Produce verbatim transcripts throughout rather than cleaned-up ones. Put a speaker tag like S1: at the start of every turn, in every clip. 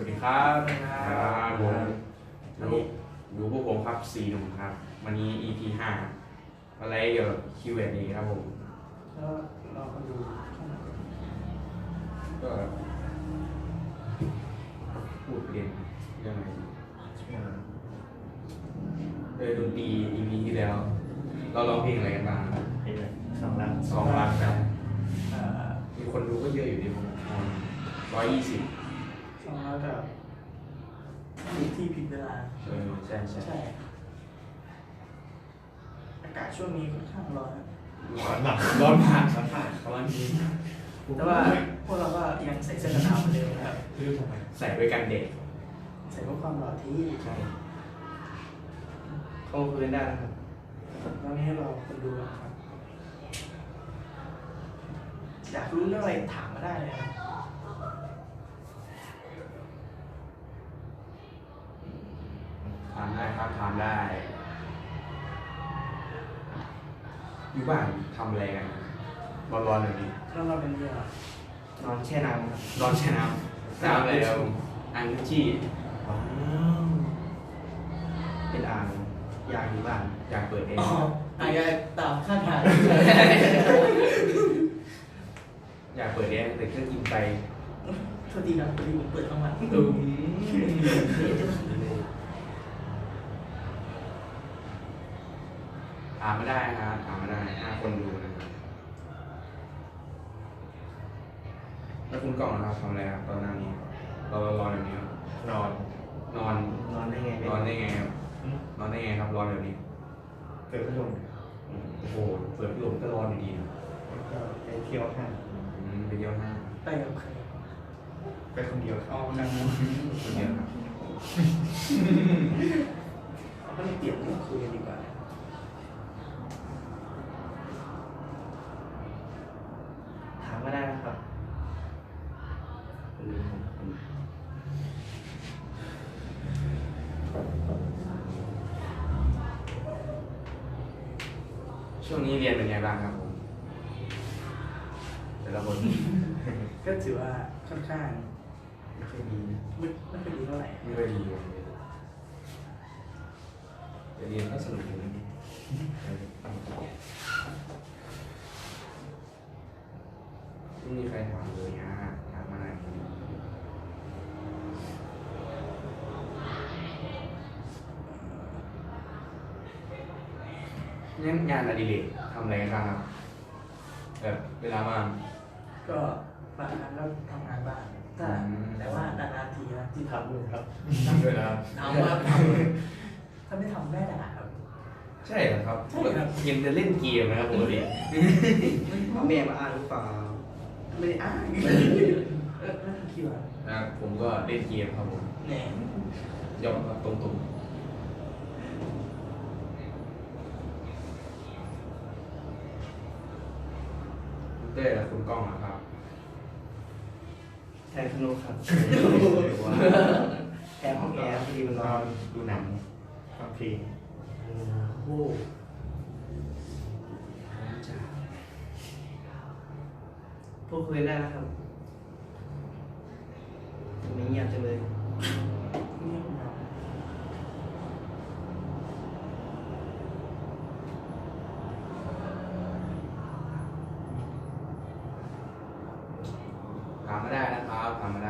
S1: วัสดีครับ
S2: ครับ
S1: ผมอยู่อยู่พวกผมครับสี่หนุ่มครับ วันนี้ อี พี ห้าอะไรเกี่ยวกับ คิว แอนด์ เอ ครับผม
S2: แล้วเราก็ดูข้างหลัง
S1: ก็พูดเรียนเรื่องอะไรโดยดนตรี อี พี ที่แล้ว เราร้องเพลงอะไรกันบ้างครับ
S3: เพลงสองล้าน
S1: สองล้านครับ
S2: เอ่อ
S1: มีคนดูก็เยอะอยู่ดีผมร้อยยี่สิบ
S2: สองแล้วกับที่ที่ผิดเวลา
S1: เออใช่ใช่
S2: ใช่ อากาศช่วงนี้ค่อนข้างร้อนนะ
S3: ร้อนหนัก
S1: ร้อนผ่านร้อนผ่านร้อนจริง
S2: แต่ว่าพวกเราก็ยังใส่เสื้อกันหนาวเหมือนเดิมนะครับ
S3: ไม่รู้ทำไม
S1: ใส่ไว้กันเด็ก
S2: ใส่เพื่อความหล่อที่
S1: ใช่
S3: เข้าคืนได้นะครับ
S2: ตอนนี้เราคนดูนะครับ อยากรู้เรื่องอะไรถามมาได้เลยครับ
S1: ทานได้ครับทานได้ อยู่บ้านทำอะไรกันร้อนๆแบบนี้
S2: แล้วเราเป็นเรื่อง
S3: นอนแช่น้ำครับ
S1: ร้อนใช่น้ำน้ำอะไรครับอังจี้
S3: ว้าวเป็นอ่างอยากอยู่บ้าน
S1: อยากเปิดเอง
S2: อ๋ออาจจะตามคาดหมาย
S1: อยากเปิดเองแต่เครื่องกินไป
S2: โทษทีนะพอดีผมเปิดทั้งวัน
S1: ตึมถามไม่ได้นะครับถามไม่ได้ห้าคนดูนะครับแล้วคุณกล่องนะครับทำอะไรครับตอนหน้านี้เราร้อนแบบนี้ครับ
S3: นอน
S1: นอน
S3: นอนได้ไง
S1: นอนได้ไงครับนอนได้ไงครับร้อนแบบนี้
S3: เกิดพัดลม
S1: โอ้โหเปิดพัดลมก็ร้อนอยู่ดีนะ
S3: แล้วก็ไปเที่ยวห้าง
S1: อืมไปเยี่ยมห้าง
S2: ไปกับใคร
S3: ไปคนเดียวค
S2: อ๋
S3: รั
S2: อบ นั่ง
S1: คนเดียวครับ
S2: เราก็เลยเปลี่ยนเรื่องคุยกันดีกว่า
S3: ถามมาได้นะครับลืมผม
S1: ช่วงนี้เรียนเป็นไงบ้างครับผมแต่ละคน
S2: ก็ถือว่าค่อนข้าง
S3: ไม่ค่อยดีนะ
S2: ไม่ไม่ค่อยดีเท่าไหร่
S1: ไม่ค่อยดีเลยแต่เรียนก็สนุกอยู่นะไม่มีใครถามเลยฮะถามมาหน่อยงั้นงานอดิเรกทำอะไรกันบ้างครับแบบเวลาว่าง
S2: ก็บางครั้งก็ทำงานบ้างแต่
S1: อืม
S2: แต่ว่านานๆทีนะที่
S3: ทำด้วยครับ
S1: ทำด้วยเหรอครับ
S2: ทำครับทำถ้าไม่ทำแม่ด่าครับ
S1: ใช่เหรอครับ
S2: ใช่ครับ
S1: เห็นจะเล่นเกมนะครับปกติ
S3: แม่มาอ่านหรือเปล่า
S2: ไม่ได้อ้างเออนั่นคิดว่า
S1: นะครับผมก็เล่นเกมครับผม
S2: แหน่
S1: ยอมรับตรงๆเต้และคุณก้องนะครับ
S3: แทนสนุกครับแทนห้องแอร์พอดีมันนอนดูหนังฟังเพลง
S2: โอ้
S3: พูดคุยได้นะครับไม่เงียบจังเลย
S2: เงียบเหงา
S1: ถามมาได้นะครับถามมาได้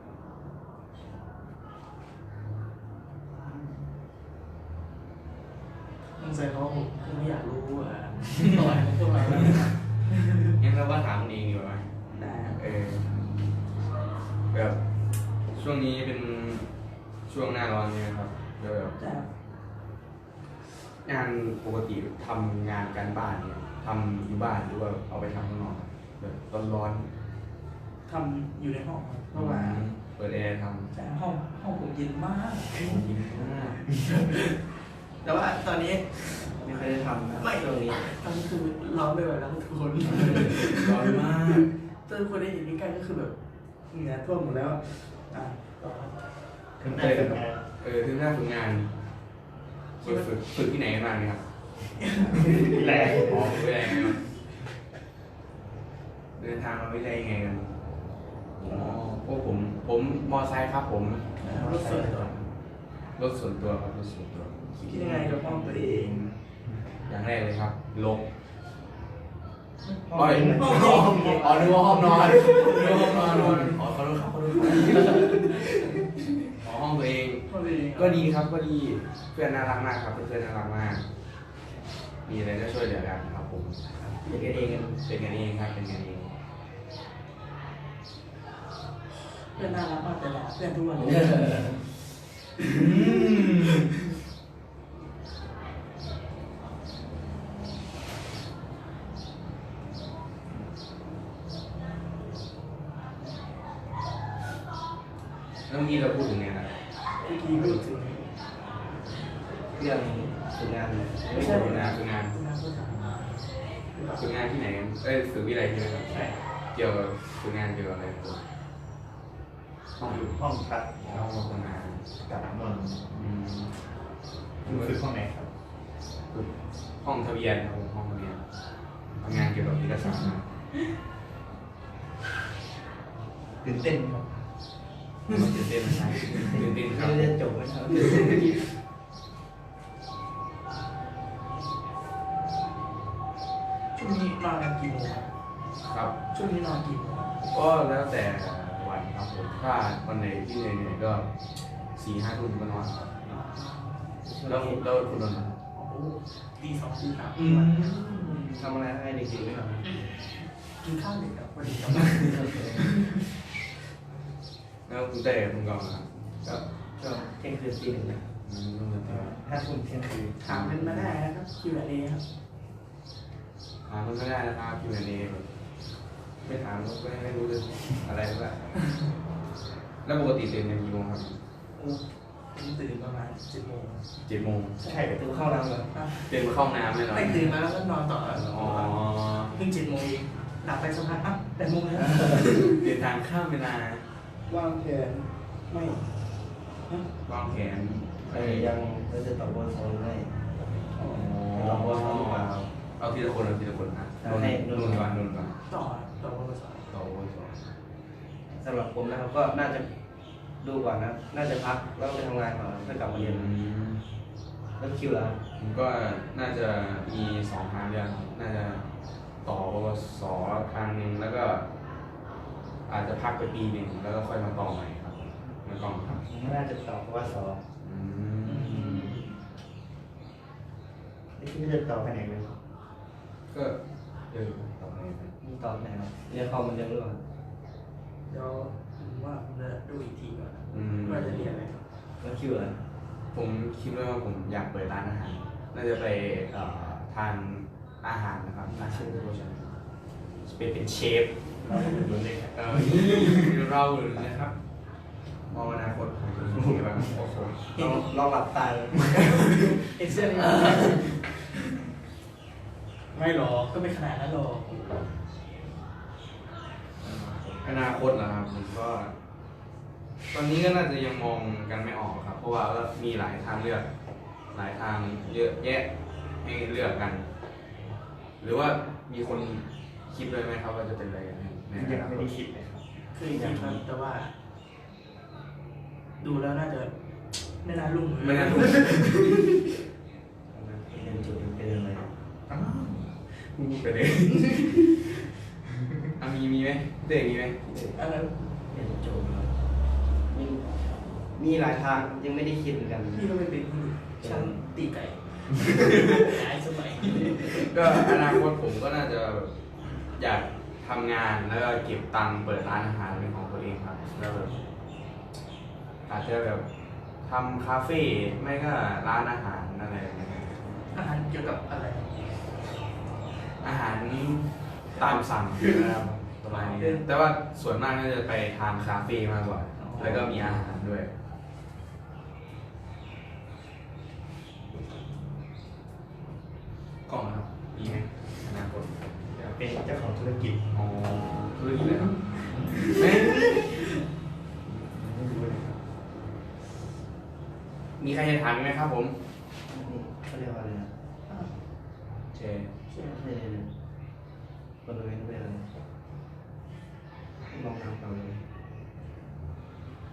S2: สงสัยเขาคงไม่อยากรู้อ่ะต่อยของพวกเราแล้วนะครับ
S1: งั้นเราว่าถามคนเองดีกว่าไหม
S2: ได้ครับ
S1: เออแบบช่วงนี้เป็นช่วงหน้าร้อนเนี่ยครับแล้วแบบ
S2: ได้ครับ
S1: งานปกติทำงานการบ้านเนี่ยทำอยู่บ้านหรือว่าเอาไปทำข้างนอกครับแบบร้อน
S2: ทำอยู่ในห้องครับ
S1: ๆ
S2: เพราะว่า
S1: เปิดแอร์ท
S2: แต่ห้องห้องผมเย็นมาก
S1: ำผมกินมาก
S2: แต่ว่าตอนนี้
S3: ไม่เคอยได้ทำนะ
S2: ไม่
S3: ช่วงนี้
S2: ตอนนี้คือร้อนไปหมดแล้วทุกคน
S1: ร้อนมาก
S2: ถ้าทุกคนได้เห็นใกล้ๆก็คือแบบเหงื่อท่วมหมดแล้วอ่ะต่อครับ
S3: ถึงได้ทำงาน
S1: เออถึงหน้าฝึกงานฝึกฝึกฝึกที่ไหนกันบ้างเนี่ยครับ
S3: แรง
S1: อ๋อวิทยาลัยครับเดินทางมาวิทยาลัยยังไงกันอ๋อพวกผมผมมอไซค์ครับผม
S2: รถส่วนตัว
S1: รถส่วนตัวครับรถส่วนตัว
S2: คิดยังไงกับห้องตัวเอง
S1: อย่างแรกเลยครับลบ
S3: ห้อง
S1: อ๋อ
S3: นี้
S1: อ๋ออ๋อนึกว่าห้องนอนนึกว่าห้องนอนอ๋อขอโทษครับขอโทษครับอ๋อห้องตัวเอง
S2: ห้องตัวเอง
S1: ก็ดีครับก็ดีเพื่อนน่ารักมากครับเพื่อนๆน่ารักมาก มีอะไรก็ช่วยเหลือกันครับผมเป็นกันเองเป็นกันเองครับเป็นกันเอง
S2: เพื่อนน่ารักมากแต่ละเพื่อนทุกวันเลย
S1: แล้วเมื่อกี้เราพูดถึงเนี่ยนะ
S2: เมื่อกี้พูดถึง
S3: เรื่องฝึกงาน
S1: ไม่ใช่ฝึกงานฝึกงาน
S2: คุณน้าก็ถาม
S1: ฝึกงานที่ไหนกันเอ้ยฝึกวิไลใช่ไหมครับ
S2: ใช่
S1: เกี่ยวกับฝึกงานเกี่ยวกับอะไรครับ
S3: ห้องห้องพัก
S1: ห้องทำงาน
S3: กับนอน
S1: อืม
S3: คุณฝึกห้องไหนครับ
S1: ฝึกห้องทะเบียนครับผมห้องทะเบียนทำงานเกี่ยวกับเอกสารนะ
S3: ตื่นเต้นไหมครับ
S1: มันตื่นเต้นนะครับตื่นเต้นครับ
S3: ไม่ได้จบไหมครับ
S2: ช่วงนี้นอนกันกี่โมงครับ
S1: ครับ
S2: ช่วงนี้นอนกี่โมงครับ
S1: ก็แล้วแต่วันครับผมถ้าวันไหนที่เหนื่อยๆก็สี่ห้าทุ่มก็นอนครับแล้วแล้วคุณนอนไหม
S2: โอ้โหตีสองตีสาม
S1: อืม
S3: ทำอะไรให้เด็กๆไหมครับ
S2: กินข้าวเด็กครับวันนี้ครับ
S1: แล้วคุณเต้คุณกองนะครับ
S3: ก็ช่วงเที่ยงคืนตีหนึ่งนะ
S1: อืมต้องเรียนต่อ
S3: ห้าทุ่มเที่ยงคืน
S2: ถามกันมาได้นะครับ คิว แอนด์ เอ ครับ
S1: ถามมันไม่ได้นะครับคิวแอนเอไม่ถามก็ไม่รู้จะอะไรแล้วแล้วปกติตื่นกันกี่โมงครับ
S2: ผมตื่นประมาณเจ็ดโมง
S1: เจ็ดโมง
S3: ใช่ประตูเข้าน้ำแล้ว
S2: อ่ะ
S1: ตื่นมาเข้าห้องน้ำเลยเหรอ
S2: ไม่ตื่นมาแล้วก็นอนต่อ
S1: อ๋อ
S2: เพิ่งเจ็ดโมงเองหลับไปสักพักอ่ะแปดโมงแล้ว
S1: เดินทางข้ามเวลาว
S2: างแผนไม่
S1: วางแผน
S3: เออยังเราจะตอบบนโซนให้
S1: อ๋อ
S3: ตอบบนโซนหรือเปล่า
S1: เอาทีละคนเอาทีละคนนะ
S3: เอาให้
S1: นุ่นก่อนนุ่นก่อน
S2: ต่อต่อวันละสอง
S1: ต่อโอ้ยสอง
S3: สำหรับผมนะครับก็น่าจะดูก่อนนะน่าจะพักแล้วไปทำงานก่อนเพื่อกลับมาเรียน
S1: อืม
S3: แล้วคิวแล้ว
S1: ผมก็น่าจะมีสองทางเดียวน่าจะต่อปวสทางหนึ่งแล้วก็ อาจจะพักไปปีหนึ่งแล้วก็ค่อยมาต่อใหม่ครับไม่ต้องครับ
S3: น่าจะตอบเพราะว่าสอบ
S1: อืม
S3: ไม่คิดว่าจะตอบไปไหนเลย
S1: ก็เออต่อไปไหม
S3: มีตอบไหนครับเรียนคอมเหมันเดิมหรือเปล่า
S2: เดี๋ยวผมว่าผมจะดูอีกทีก่อนนะ
S1: อืม
S2: ว่าจะเรียนอะไรครับ
S3: แล้วคิวแล้ว
S1: ผมคิดว่าผมอยากเปิดร้านอาหาร น่าจะไปเอ่อทานอาหารนะครับอาชีพโภชนาเป็นเป็นเชฟ
S3: เราไม่เหมือนเลยครับ
S1: เออเราเลยนะครับมองอนาคตของคุณยังไงบ้างโอ้โห
S3: ลองลองหลับตาเลย
S2: เอ็กเซลไม่หรอกก็ไม่ขนาดนั้นหรอก
S1: อนาคตเหรอครับผมก็ ตอนนี้ก็น่าจะยังมองกันไม่ออกครับ เพราะว่าก็มีหลายทางเลือก หลายทางเยอะแยะให้เลือกกัน หรือว่ามีคนคิดเลยไหมครับว่าจะเป็นอะไรกันในอ
S3: ยัง
S1: นา
S3: ไม่
S1: คต
S3: ได้คิดเลยครับ
S2: เคยคิดครับแต่ว่า ดูแล้วน่าจะไม่น่ารุ่ง
S1: ไม่น่าถูก
S3: เรียนจบเป็นอะไร
S1: อ้าวพูดไปเลยอ่ะมีมีไหมเด็กมีไหม
S2: อันนั้น
S3: เรียนจบครับมีมีหลายทางยังไม่ได้คิดเหมือนกัน
S2: พี่ก็ไม่เป็นช่างตีไก่ย้ายสมัย
S1: ก็อนาคตผมก็น่าจะแบบอยากทำงานแล้วก็เก็บตังค์เปิดร้านอาหารเป็นของตัวเองครับแล้วแบบอาจจะแบบทำคาเฟ่ไม่ก็ร้านอาหารอะไรอย่างเงี้ย
S2: อาหารเกี่ยวกับอะไร
S1: อาหารตามสั่งนะครับประมาณนี้แต่ว่าส่วนมากน่าจะไปทานคาเฟ่มากกว่า แล้วก็มีอาหารด้วย กล้องนะครับมีไหมอนาคต
S3: อยากเป็นเจ้าของธุรกิจ
S1: อ๋อธุรกิจเลยครับไม่
S3: ไม่รู้เลยครับ
S1: มีใครจะถามอีกไหมครับผม
S3: นี่เขาเรียกว่าอะไรนะ
S1: เช
S2: ใช่
S3: ไม่ใช่เลยบริเวณเป็นอะไรลองน้ำเปล่าเลย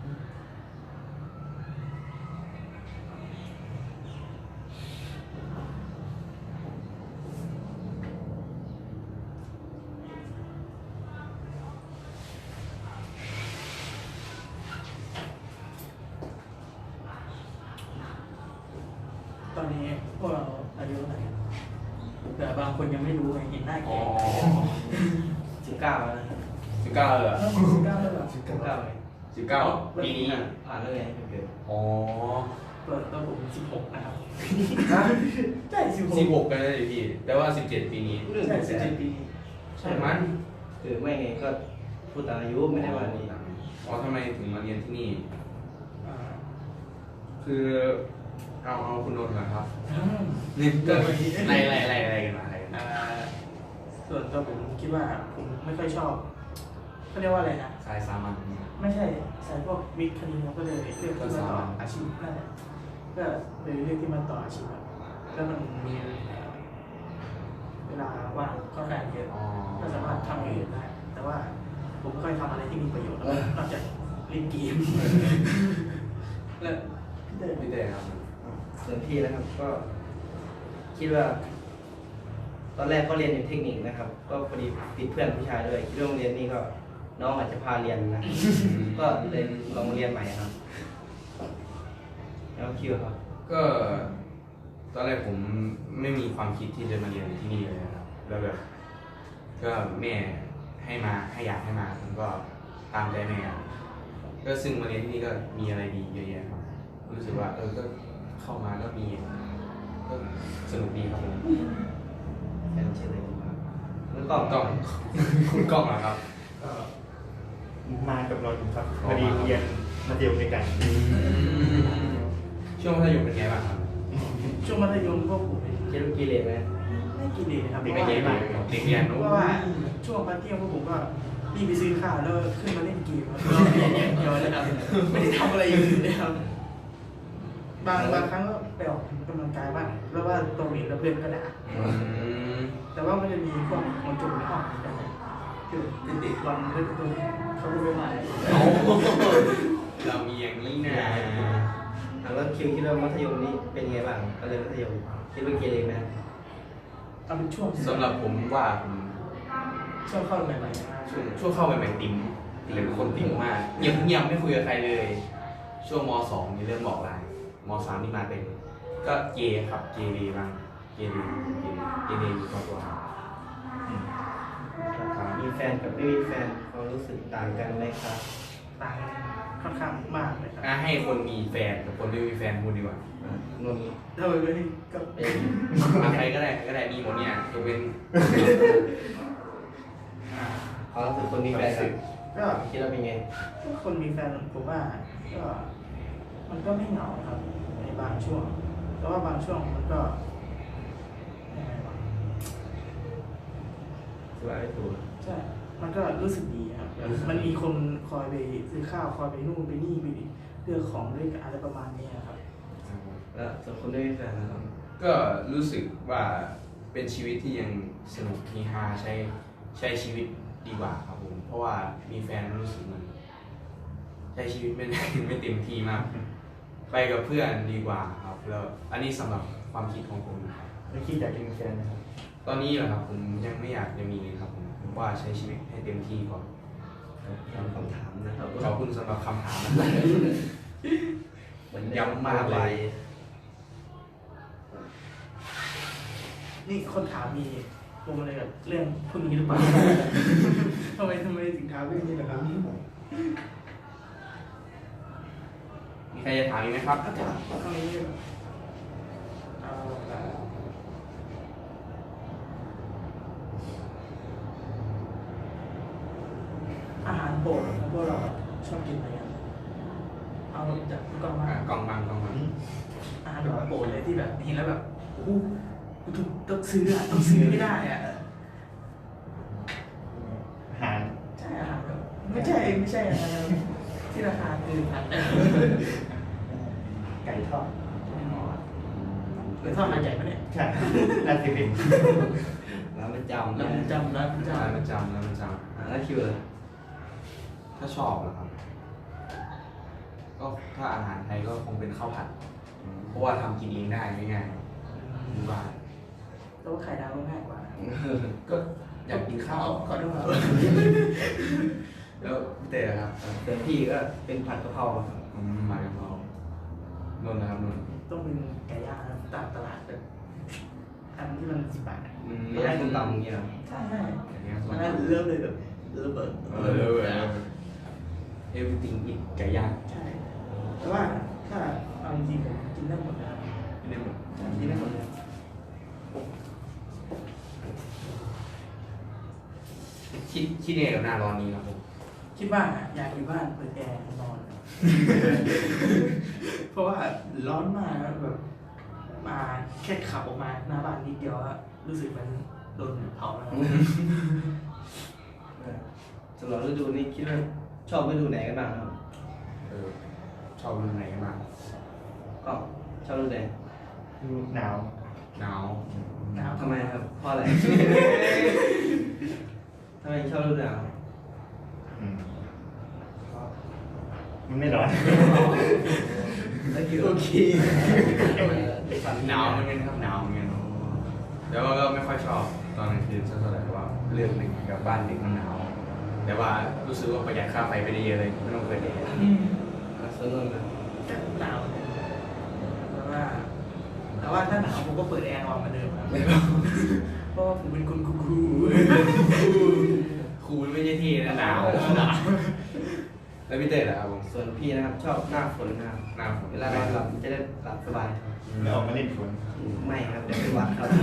S2: อนนี้พวกเราอายุเท่าไหร่แต่บางคนยังไม่รู้ไงเห็นหน้า
S1: อ๋
S2: เก่
S1: อง
S3: สิบเก้าแล้วนะครับ
S1: สิบเก้าเลยเหรอ
S2: สิบเก้าแล้วเหรอ
S3: สิบเก้าเลย
S1: สิบเก้าปีนี้
S3: ผ่านแล้วไงไม่เกิด
S1: อ๋อ
S2: เปิดตัวผมสิบหกนะครับใช่สิบหก
S1: สิบหกกันเลยพี่ แต่ว่าสิบเจ็ดปีนี้
S2: ใช่สิบเจ็ดปี
S1: ใช่มั้ย
S3: เออไม่ไงก็พูดตามอายุไม่ได้ว่านี่
S1: อ๋อทำไมถึงมาเรียนที่นี่
S2: อ่า
S1: คือเอาเอาคุณนนท์ก่อนครับ
S2: อืม
S1: นี่ก็ไล่ไล่ไล่ไล่กันมาอะไรกันมา
S2: อ่าส่วนตัวผมคิดว่าผมไม่ค่อยชอบเขาเรียกว่าอะไรนะ
S1: สายสามัญ
S2: ไม่ใช่สายพวกวิทย์คณิตก็เลยเลือกที่มาต่ออาชีพนั่นแหละก็เลยเลือกที่มาต่ออาชีพครับแล้วมันมีเวลาว่างค่อนข้างเยอะ
S1: อ๋อ
S2: ก็สามารถทำอย่างอื่นได้ แต่ว่าผมไม่ค่อยทำอะไรที่มีประโยชน์นอกจากเล่นเกมแล้วพี่เต้
S1: พี่เต้ครับ
S3: ส่วนพี่นะครับก็ คิดว่า ตอนแรกก็เรียนอยู่เทคนิคนะครับ ก็พอดีติดเพื่อนผู้ชายด้วยคิดว่าโรงเรียนนี้ก็ น้องอาจจะพาเรียนนะ ก็เลยลองเรียนใหม่ครับ แล้วคิวครับ
S1: ก็ตอนแรกผมไม่มีความคิดที่จะมาเรียนที่นี่เลยนะครับ แล้วแบบก็แม่ให้มาให้อยากให้มาผมก็ตามใจแม่ครับก็ซึ่งมาเรียนที่นี่ก็มีอะไรดีเยอะแยะครับรู้สึกว่าเออก็เข้ามาก็มีก็สนุกดีครับผม
S3: แฟนชื่ออะไรครับแล้ว
S1: กล้
S3: ก็
S1: องกล้อง คุณกล้องเหรอครับ
S4: ก็มากับเราอยู่ครับพอดีเรียนมัธยมด้วยกัน
S1: ช่วงมัธยมเป็นไงบ้างครับ
S2: ช่วงมัธยมพวกผมเนี่ย
S3: คิดว่ากีเลนไหม
S2: ไม่กินดีนะครับเพ
S1: เด็ก
S2: ราะ
S1: เรียน
S2: ว่า
S1: เด็กเรียน
S2: เพ
S1: นู้
S2: ราะว่าช่วงพักเที่ยงพวกผมก็รีบไปซื้อข้าวแล้วขึ้นมาเล่นเกมแล้วก็เรียนอย่างเดียวเลยครับไม่ได้ทำอะไรอย่างอื่นเลยครับบางบางครั้งก็ไปออกกำลังกายบ้างแล้วว่าตรงนี้แล้วเพื่อนก็ด่า
S1: อืม
S2: แต่ว่ามันจะมีพวกคนจุ่มในห้องกันคือเป็นเด็กวันเล่นตัวเขาไม่มา
S1: เอาเรามีอย่างนี้นะ
S3: อ่ะแล้วคิวคิดว่ามัธยมนี้เป็นไงบ้างก็เลยนมัธยมคิดว่ากีเลนไหม
S2: เอาเป็นช่วง
S1: สำหรับผมว่าผม
S2: ช่วงเข้าใหม่ๆนะ
S1: ช่วงช่วงเข้าไปใหม่ๆติ๋มเลยเป็นคนติ๋มมากเงียบเงียบไม่คุยกับใครเลย ช่วงมสองนี่เริ่มบอกลายมสามนี่มาเป็นก็เกย์ครับเกเรบ้างเกเรเกเรเกเรอยู่ตัวตัวครับครับ
S3: มีแฟนกับไม่มีแฟนความรู้สึกต่างกันไหมครับ
S2: ต่างกันค่อนข้างมากเลยครับ
S1: อ่ะให้คนมีแฟนกับคนไม่มีแฟนพูดดีกว่า
S3: อ่ะนนท์
S2: ถ้าไปนี่ก็
S3: เป็น
S1: มาใครก็ได้ใครก็ได้มีหมดเนี่ยยกเว้น
S3: ความรู้สึกคนมีแฟนครับ
S2: ก็
S3: คิดว่าเป็นไง
S2: ถ้าคนมีแฟนผมว่าก็มันก็ไม่เหงาครับในบางช่วง แต่ว่าบางช่วงมันก็ยังไงวะ
S3: สบายไม่ถูก
S2: ใช่ มันก็รู้สึกดีครับแบบมันมีคนคอยไปซื้อข้าวคอยไปนู่นไปนี่ไปเลือกของด้วยกันอะไรประมาณนี้ครับ
S3: แล้วส่วนคนไม่มีแฟนนะครับ
S1: ก็รู้สึกว่าเป็นชีวิตที่ยังสนุกมีฮาใช้ใช้ชีวิตดีกว่าครับผมเพราะว่ามีแฟนรู้สึกมันใช้ชีวิตไม่ได้ ไม่เต็มที่มาก ไปกับเพื่อนดีกว่าครับแล้วอันนี้สำหรับความคิดของผมนะครับ
S4: ไม่คิดอยากจะมีแฟนนะครับ
S1: ตอนนี้เหรอครับผมยังไม่อยากจะมีเลยครับผมผมว่าใช้ชีวิตให้เต็มที่ก่อน
S3: ตามคำถามนะครับ
S1: ขอบคุณสำหรับคำถามนะครับ
S3: เหมือน
S1: ย้ำมากเลย
S2: นี่คนถามมีปมอะไรกับเรื่องพวกนี้หรือเปล่า ทำไมทำไมถึงถามเรื่องนี้ล่ะครับ
S1: มีใครจะถามอีกไหมครับ
S2: อาจารย์ตรงนี้เอาละอาหารโปรดของพวกเราชอบกินอะไรกันเอาจากพี่ก้องมา
S1: อ่ะกล่องบางกล่องบาง
S2: อาหารแบบโปรดเลยที่แบบเห็นแล้วแบบโอ้โหต้องต้องซื้ออ่ะต้องซื้อไม่ได้อ่ะ
S4: อาหาร
S2: ใช่อาหารแบบไม่ใช่ไม่ใช่อาหารที่ราคาเกินพัน
S4: ไก่ทอด
S2: หรือทอดหาดใหญ่ปะเนี่ย
S4: ใช่น่าจะเป็น
S3: ร้านประจำ
S2: ร้า
S3: นะ
S2: นจำร้านจ
S1: ร้านประจำร้านประจ
S3: อ่ะแล้วคิวเลย
S1: ำถ้าชอบเหรอครับ ก็ถ้าอาหารไทยก็คงเป็นข้าวผัด เพราะว่าทำกินเองได้ง่ายๆที่บ้าน
S2: ำแต่ว่าไข่ดาวก็ง่ายกว่า
S1: ก็อยากกินข้าว
S2: ขอโทษครับ
S1: แล้วพี่เต้ล่ะครับ
S3: ส่วนพี่ก็เป็นผัดกะเพราครับ
S1: อืมมากับเรานนท์นะครับนนท์
S2: ต้องเป็นไก่ย่างครับตามตลาดแบบอันที่มันสิบบาทอะ
S1: อืม
S3: ไม่ได้ต้มตำอย่างเงี้ยหรอ
S2: ใช่ใช่
S1: อย่างเงี้ย
S2: มันก็เริ่มเลยแบบระเบิด
S1: เออเออเออเอวิติงอีกไก่ย่าง
S2: ใช่ แต่ว่าถ้าเอาจริงๆผมกินได้หมดนะครับ
S1: ไม่ได้หมด
S2: กินได้หมดเลย
S1: คิดคิดยังไงกับหน้าร้อนนี้ครับผม
S2: คิดว่าอยากอยู่บ้านเปิดแอร์นอน เพราะว่าร้อนมากแบบมาแค่ขับออกมาหน้าบ้านนิดเดียวอะรู้สึกมันโดนเผาแล้ว
S3: สำหรับฤดูนี้คิดว่าชอบฤดูไหนกันบ้างครับ
S1: เออชอบฤดูไหนกันบ้าง
S3: ก็ชอบฤดูไหน
S4: ดูหนาว
S1: หนาว
S2: หนาว
S3: ทำไมครับ เพราะอะไร ทำไมชอบฤดูหนาว
S4: อืมมันไม่ร้อน
S3: แล้วคือโอเค
S1: หนาวเหมือนกันครับหนาวเหมือนกันแต่ว่าก็ไม่ค่อยชอบตอนกลางคืนสักเท่าไหร่เพราะว่าเรื่องหนึ่งกับบ้านเด็กมันหนาว แต่ว่ารู้สึกว่าประหยัดค่าไฟไปได้เยอะเลยไม่ต้องเปิดแอร์
S2: อืม
S3: สนุกนะ
S2: ก็หนาวแต่ว่า แต่ว่าถ้าหนาวผมก็เปิดแอร์นอนเหมือนเดิมครับเพราะว่าผมเป็นคนคูคู
S1: คูลไม่ใช่ที่นะหนาวหนาวแล้วพี่เต้ล่ะครับผม
S3: ส่วนพี่นะครับชอบหน้าฝนนะครับ
S1: หนาว
S3: เวลานอนหลับจะได้หลับสบาย
S4: ไม่ออกมาเล่นฝน
S3: ไม่ครับเดี๋ยวเป็นหวัดครับ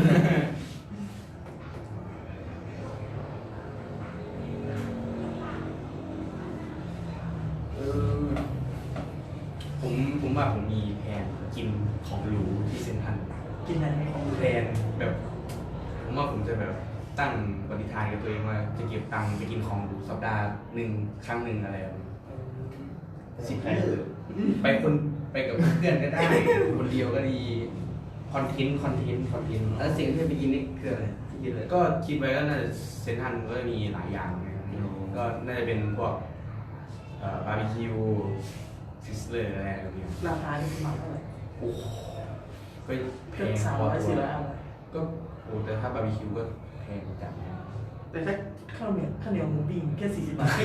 S1: เออผมผมว่าผมมีแผนกินของหรูที่เซ็นทรัล
S2: กินอะไรของ
S1: แพลนแบบ ผมว่าผมจะแบบตั้งปณิธานกับตัวเองว่าจะเก็บตังค์ไปกินของหรูสัปดาห์หนึ่งครั้งหนึ่งอะไรแบบนี้สิบเออไปคนไปกับเพื่อนก็ได้ คนเดียวก็ดีคอนเทนต์คอนเทนต์คอนเทนต์
S3: แล้วสิ่งที่ไปกินนี่คืออะไรที่กินเลย
S1: ก็คิดไว้ก็น่าจะเซ็นทรัลก็มีหลายอย่างนะครับก็น่าจะเป็นพวกเอ่อบาร์บีคิวซิสเลอร์อะไรแบบนี้
S2: ราคาที่ประมาณเท่าไหร่
S1: โอ้โหก็แพ
S2: เกือบ
S1: ง
S2: สาม
S1: พอ
S2: ร้อย
S1: ตั
S2: สี่
S1: ว
S2: ร้อยเอา
S1: ก็โอ้แต่ถ้าบาร์บีคิวก็แพงจังนะ
S2: แต่ถ้าข้าวเหนียวข้าวเหนียวหมูปิ้งแค่สี่สิบบาท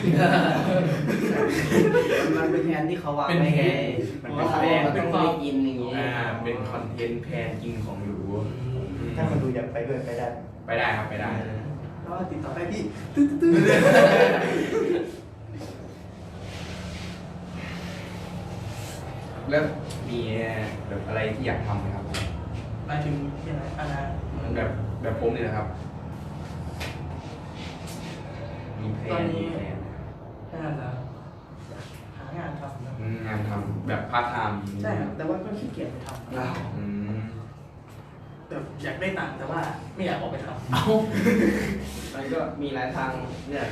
S3: มันเป็นแผนที่เขาวางไว้ไง
S1: มัน
S3: ว่า
S1: เป็น
S3: เขา
S1: แผน
S3: ต้องไปกินอย่างงี้
S1: อ่าเป็นคอนเทนต์แพนกินของหรู
S4: ถ้าคนดูอยากไปด้วยไปได้
S1: ไปได้ครับไปได้
S2: แล้วก็ติดต่อได้ที่ตื้อตื้อ
S1: แล้วมีแบบอะไรที่อยากทำไหมครับ
S2: หมายถึงยังไงอะไร
S1: แบบแบบผมเนี่ยนะครับ มีแพลนมีแพลน
S2: แค่นั้นนะหางานทำนะ
S1: อืมงานทำแบบพาร์ทไทม์
S2: ใช่ครับแต่ว่าก็ขี้เกียจไปทำ
S1: ว้าวอืม
S2: แบบอยากได้ตังค์แต่ว่าไม่อยากออกไปทำ
S1: เอา
S3: มันก็มีหลายทางเลือก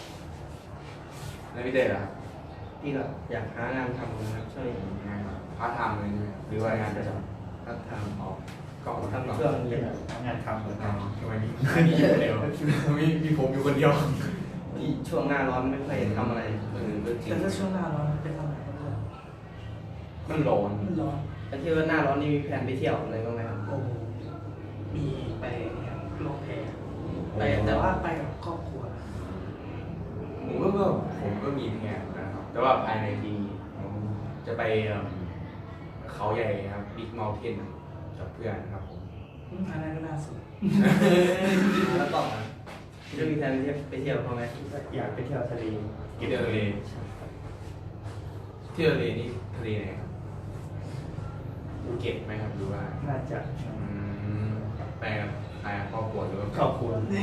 S1: แล้วพี่เต้ล่ะครับ
S3: ที่ก็อยากหางานทำนะครับช่วย
S1: งานพาร์ทไทม์เลยใช่ไหมหรือว่างานประจ
S3: รับท
S1: ำอ๋อก็
S3: ำ
S1: ทำ
S3: ทำ
S1: ก่อน
S3: ช่วง
S4: เป็
S3: เย็
S4: น
S3: น
S4: งานทำเลย
S1: อ๋อทำไมมีมีอยู่คนเดียวมีมีผมอยู่คนเดียว
S3: ที่ช่วงหน้าร้อนไม่ค่อยทำอะไร
S1: เออก็จริง
S2: แต่ถ้าช่วงหน้าร้อนเป็นทำไหนก็ได้
S1: มันร้อน
S2: มันร้อน
S3: แต่ที่ว่าหน้าร้อนนี่มีแผนไปเที่ยวอะไรบ้างไหมครับ
S2: โอ้โหมีไปเนี่ยลงแพไปแต่ว่าไปกับครอบครัว
S1: ผมก็ก็ผมก็มีแผนนะครับ แต่ว่าภายในปีนี้ผมจะไปเอิ่มเขาใหญ่ครับบิ๊กเมลเทนกับเพื่อนครับผม
S2: อันนั้นก็น่าสน
S3: แล้วต่อมาจะมีแผนไปเที่ยวเขาไหม
S4: อยากไปเที่ยวทะเล
S1: เที่ยวทะเลเที่ยวทะเลนี่ทะเลไหนครับภูเก็ตไหมครับหรือว่า
S4: น่าจะ
S1: อืมไปกับไปกับครอบครัวหรือว่า
S4: ครอบครัว
S2: นี่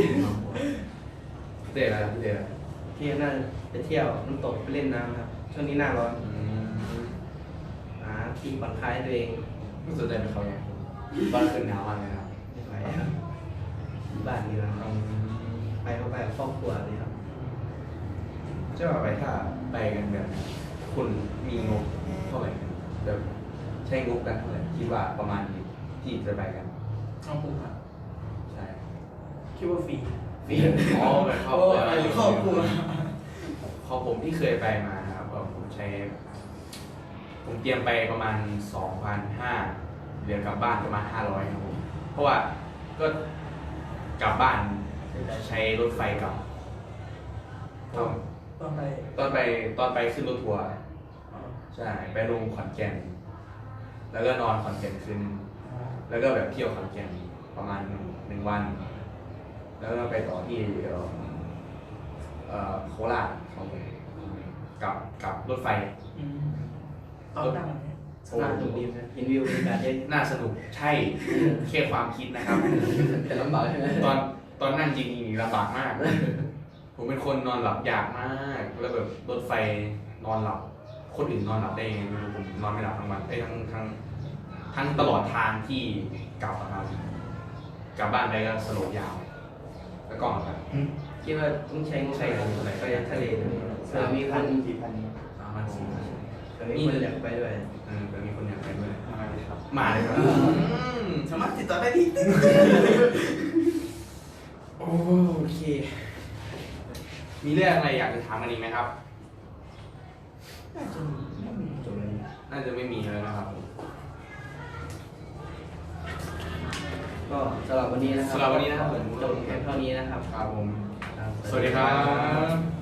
S1: พี่เต้อะไรพี่เต้อะไร
S3: ที่น่าไปเที่ยวน้ำตกไปเล่นน้ำครับช่วงนี้หน้าร้อน
S1: อืม
S3: หาที่ผ่อนคลายตัวเอง
S1: ไม่สนใจไปเขาไงตอนคืนหนาวมากเลยครับ
S3: ไม่ไหวครับอยู่บ้านนี่นะค
S1: อื
S3: รับ
S1: ม
S3: ไปเข้าไปกับครอบครัวเลยครับ
S1: จะว่าไปถ้าไปกันแบบคุณมีงบเท่าไหร่แบบใช้งบกันเท่าไหร่คิดว่าประมาณนี้ที่จะไปกัน
S2: เอาผมอ่ะ
S1: ใช่
S2: คิดว่าฟรี
S1: ฟรีอ๋อแบบครอบครัว
S2: ไปครอบครัว
S1: ของผมที่เคยไปมานะครับก็ผมใช้ ผมเตรียมไปประมาณสองพันห้าเหลือกลับบ้านประมาณห้าร้อยครับผมเพราะว่าก็กลับบ้านใช้รถไฟกลับตอน
S2: ตอนไป
S1: ตอนไปตอนไปขึ้นรถทัวร์
S2: อ๋อ
S1: ใช่ ไปลงขอนแก่นแล้วก็นอนขอนแก่นคืนแล้วก็แบบเที่ยวขอนแก่นประมาณหนึ่งวัน แล้วก็ไปต่อที่เอ่อเอ่อโคราชครับผมกับกับรถไฟ
S2: อืมตอนนั่งเนี่ย
S3: สนามตรงนี้นะเห็นวิวบรรยากาศเย็น
S1: น่าสนุกใช่แค่ความคิดนะครับ
S3: แต่ลำบากใช่ไหม
S1: ตอนตอนนั่งจริงๆลำบากมาก ผมเป็นคนนอนหลับยากมาก แล้วแบบรถไฟนอนหลับ คนอื่นนอนหลับได้ยังไงไม่รู้ผมนอนไม่หลับทั้งวันไอ้ยทั้งทั้งทั้งตลอดทางที่กลับอะครับกลับบ้านไปก็สลบยาว แล้วก็ครับ
S3: คิดว่าต้องใช้งบไปไปทะเลเลยเผื่อมีคน
S4: สี่พัน
S1: สามพันสี่
S3: เผื่อมีคนอยากไปด้วย
S1: เออเผื่อมีคนอยากไปด้วย
S4: มาเลยครับ
S1: มาเลยครับ
S2: สามารถติดต่อได้ที่
S1: โอเค มีเรื่องอะไรอยากจะถามกันอีกไหมครับ
S2: น่าจะมีไม่มี
S3: จบเลย
S1: น่าจะไม่มีแล้วนะครับ
S3: ก็สำหรับวันนี้นะครับ
S1: สำหรับวันนี้นะครับผม
S3: จบแค่เท่านี้นะครับ
S1: ครับผม
S3: ครับ
S1: สวัสดีครับ